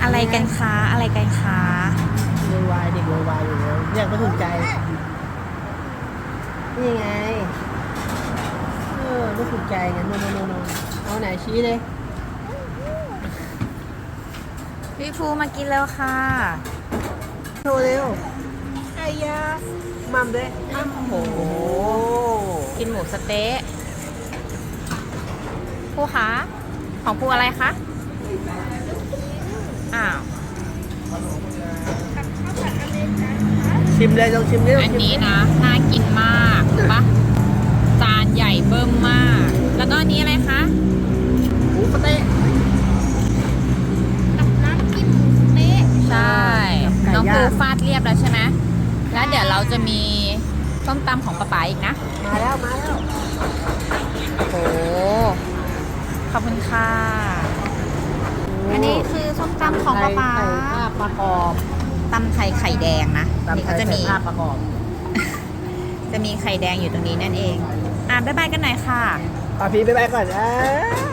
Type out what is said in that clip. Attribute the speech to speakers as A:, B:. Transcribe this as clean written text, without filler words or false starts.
A: อะไรกันคะอะไรกันคะ
B: โวยวายเด็กโวยวายอยู่แล้วอยากไม่ถูกใจนี่ไงไม่ถูกใจไงโนเอาไหนชี้เลย
A: พี่ภูมากินแล้วค่ะ
B: โชว์เร็วไอ้ยามัมด้วยโอ้โห
A: กินหมูสะเต๊ะภูคะของภูอะไรคะอ้าว
B: ชิมเลยลองชิมดิลอง
A: อัน
B: ชิม
A: นี้นะน่ากินมากดูปะจานใหญ่เบิ่มมาก แล้วก็อันนี้อะไรคะ
B: หมูสะเต๊ะ
C: กับน้ำจิ้มหมูสะเต๊ะ
A: ใช่
B: กับไก่
A: น้องภู
B: ย่าง
A: ฟาดเรียบแล้วใช่ไหมแล้วเดี๋ยวเราจะมีส้มตำของป๊าป๋าอีกนะ
B: มาแล้วมาแล้ว
A: โอ้ขอบคุณค่ะ อันนี้คือส้มตำของป๊าป๋า
B: ไข่ภาพประกอบ
A: ตำไทยไข่แดงนะนี่
B: ตำไท
A: เขา
B: ย
A: จะ
B: ใส่
A: มี
B: ภาพประกอบ
A: จะมีไข่แดงอยู่ตรงนี้นั่นเองบ๊ายบายกันหน่อยค่ะ
B: ปาพีไปก่อน